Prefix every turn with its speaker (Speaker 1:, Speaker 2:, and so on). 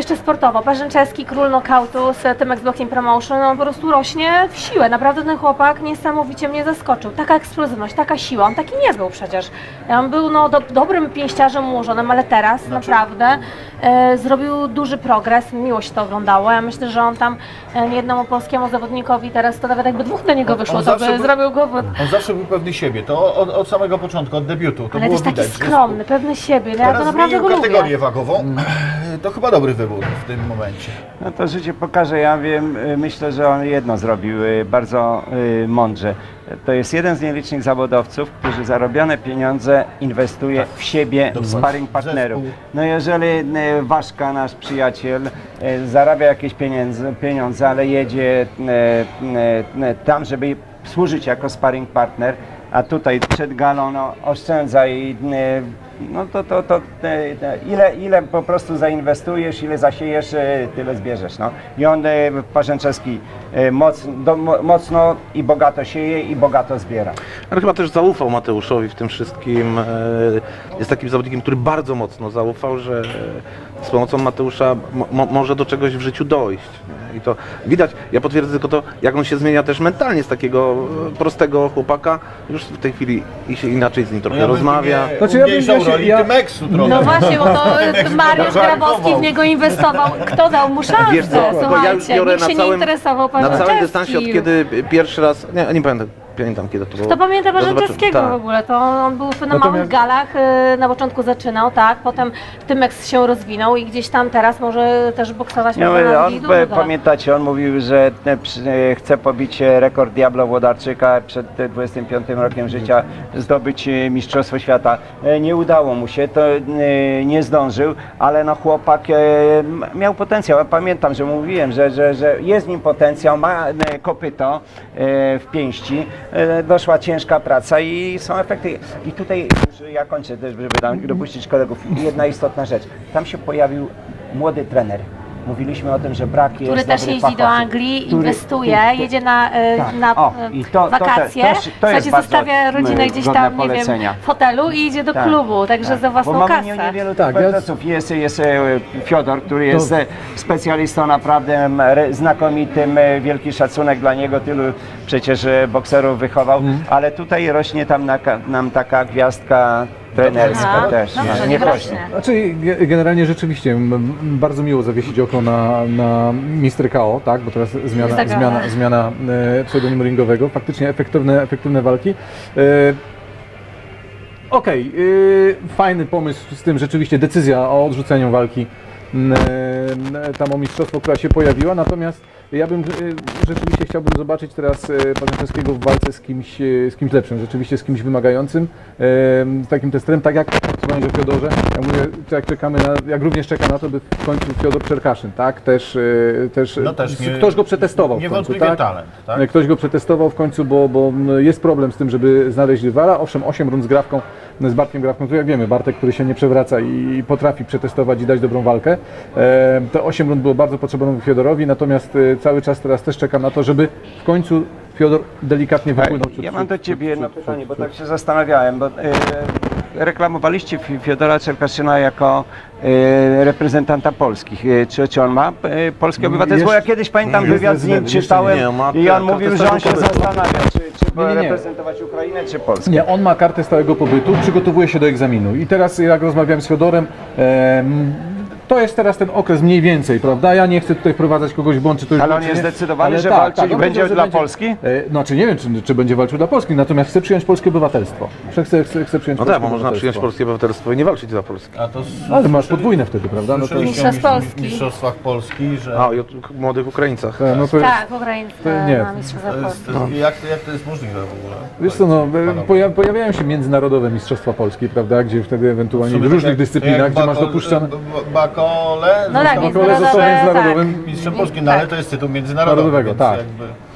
Speaker 1: jeszcze sportowo. Parzęczewski, król knockoutu z tym Boxing Promotion, on po prostu rośnie w siłę. Naprawdę ten chłopak niesamowicie mnie zaskoczył. Taka eksplozywność, taka siła, on taki nie był przecież. On był dobrym pięściarzem ułożonym, ale teraz naprawdę zrobił duży progres, miło się to oglądało. Ja myślę, że on tam niejednemu polskiemu zawodnikowi teraz to nawet jakby dwóch do niego wyszło, to by zrobił głowę.
Speaker 2: On zawsze był pewny siebie, to od samego początku, od debiutu. To
Speaker 1: Ale
Speaker 2: było
Speaker 1: też taki
Speaker 2: widać,
Speaker 1: skromny, pewny siebie. Ja to naprawdę go
Speaker 2: kategorię
Speaker 1: lubię.
Speaker 2: wagową. To chyba dobry wybór w tym momencie.
Speaker 3: No to życie pokaże, ja wiem, myślę, że on jedno zrobił bardzo mądrze. To jest jeden z nielicznych zawodowców, którzy zarobione pieniądze inwestuje w siebie, w sparring partnerów. No jeżeli Waszka, nasz przyjaciel, zarabia jakieś pieniądze, ale jedzie tam, żeby służyć jako sparring partner, a tutaj przed galą oszczędza i no ile po prostu zainwestujesz, ile zasiejesz, tyle zbierzesz. No. I on, Parzęczewski, mocno i bogato sieje i bogato zbiera.
Speaker 4: Ale chyba też zaufał Mateuszowi w tym wszystkim. Jest takim zawodnikiem, który bardzo mocno zaufał, że z pomocą Mateusza może do czegoś w życiu dojść. I to widać, ja potwierdzę tylko to, jak on się zmienia też mentalnie z takiego prostego chłopaka. Już w tej chwili i się inaczej z nim trochę rozmawia.
Speaker 2: Znaczy, Tymeksu trochę.
Speaker 1: No właśnie, bo to Mariusz Grabowski w niego inwestował. Kto dał mu szansę?
Speaker 4: Wiesz co,
Speaker 1: Słuchajcie,
Speaker 4: ja już biorę
Speaker 1: nikt się nie interesował
Speaker 4: na całym
Speaker 1: Parzęczewskim.
Speaker 4: dystansie, od kiedy pierwszy raz, nie pamiętam kiedy to było.
Speaker 1: Kto pamięta Parzęczewskiego
Speaker 4: Tak.
Speaker 1: w ogóle? To on był na małych galach, na początku zaczynał, tak, potem Tymex się rozwinął i gdzieś tam teraz może też boksować.
Speaker 3: Pamiętacie, on mówił, że chce pobić rekord Diablo Włodarczyka przed 25 rokiem życia, zdobyć Mistrzostwo Świata. Nie udało mu się, to nie zdążył, ale no chłopak miał potencjał. Ja pamiętam, że mówiłem, że jest w nim potencjał, ma kopyto w pięści. Doszła ciężka praca i są efekty. I tutaj już ja kończę też, żeby dopuścić kolegów. Jedna istotna rzecz. Tam się pojawił młody trener. Mówiliśmy o tym, że brak jest
Speaker 1: który też jeździ do Anglii, inwestuje, jedzie na wakacje, słuchajcie, zostawia rodzinę gdzieś tam, nie wiem, w hotelu i idzie do klubu, także za własną
Speaker 3: bo
Speaker 1: kasę.
Speaker 3: mamy niewielu prezesów. Jest Fiodor, który jest specjalistą naprawdę znakomitym, wielki szacunek dla niego, tylu przecież bokserów wychował, ale tutaj rośnie tam nam taka gwiazdka trenerska też, nie rośnie.
Speaker 5: Znaczy generalnie rzeczywiście bardzo miło zawiesić oko na Mr. KO, tak, bo teraz zmiana pseudonimu ringowego, faktycznie efektywne walki. Fajny pomysł z tym, rzeczywiście decyzja o odrzuceniu walki tam o mistrzostwo, która się pojawiła, natomiast ja bym rzeczywiście chciałbym zobaczyć teraz Parzęczewskiego w walce z kimś lepszym, rzeczywiście z kimś wymagającym, z takim testerem, tak jak wspomniałem o Fiodorze, ja mówię, jak również czeka na to, by w końcu Fiodor Czerkaszyn, tak, też ktoś go przetestował w końcu, tak?
Speaker 2: Talent, tak?
Speaker 5: Ktoś go przetestował w końcu, bo jest problem z tym, żeby znaleźć rywala, owszem, 8 rund z Grawką, z Bartkiem Grawką, to jak wiemy, Bartek, który się nie przewraca i potrafi przetestować i dać dobrą walkę. Te 8 rund było bardzo potrzebne Fiodorowi, natomiast cały czas teraz też czekam na to, żeby w końcu Fiodor delikatnie wypłynął.
Speaker 3: Ja mam do Ciebie jedno pytanie, bo tak się zastanawiałem, bo reklamowaliście Fiodora Czerkaszyna jako reprezentanta Polski. Czy on ma polskie obywatelstwo? Ja kiedyś pamiętam wywiad z nim czytałem i on mówił, że on się zastanawia, czy reprezentować Ukrainę, czy Polskę.
Speaker 5: Nie, on ma kartę stałego pobytu, przygotowuje się do egzaminu i teraz jak rozmawiałem z Fiodorem, to jest teraz ten okres mniej więcej, prawda? Ja nie chcę tutaj wprowadzać kogoś w błąd, czy to już
Speaker 3: ale on jest zdecydowany, że walczy i będzie dla Polski?
Speaker 5: Znaczy nie wiem, czy będzie walczył dla Polski, natomiast chce przyjąć polskie obywatelstwo. Chcę przyjąć
Speaker 4: No tak, bo można przyjąć polskie obywatelstwo i nie walczyć dla Polski.
Speaker 5: Ale masz podwójne wtedy, prawda?
Speaker 2: No to
Speaker 1: w
Speaker 2: mistrzostwach Polski, że...
Speaker 4: A, i o młodych Ukraińcach.
Speaker 1: Tak, Ukraińcy na mistrzostwach Polski.
Speaker 2: Jak to jest możliwe w ogóle?
Speaker 5: Wiesz co, pojawiają się międzynarodowe mistrzostwa Polski, prawda? Gdzie wtedy ewentualnie w różnych dyscyplinach, gdzie masz dopuszczane...
Speaker 2: Bakole,
Speaker 1: no tak,
Speaker 5: został międzynarodowym
Speaker 2: mistrzem Polski, no ale to jest tytuł międzynarodowy.
Speaker 5: Tak.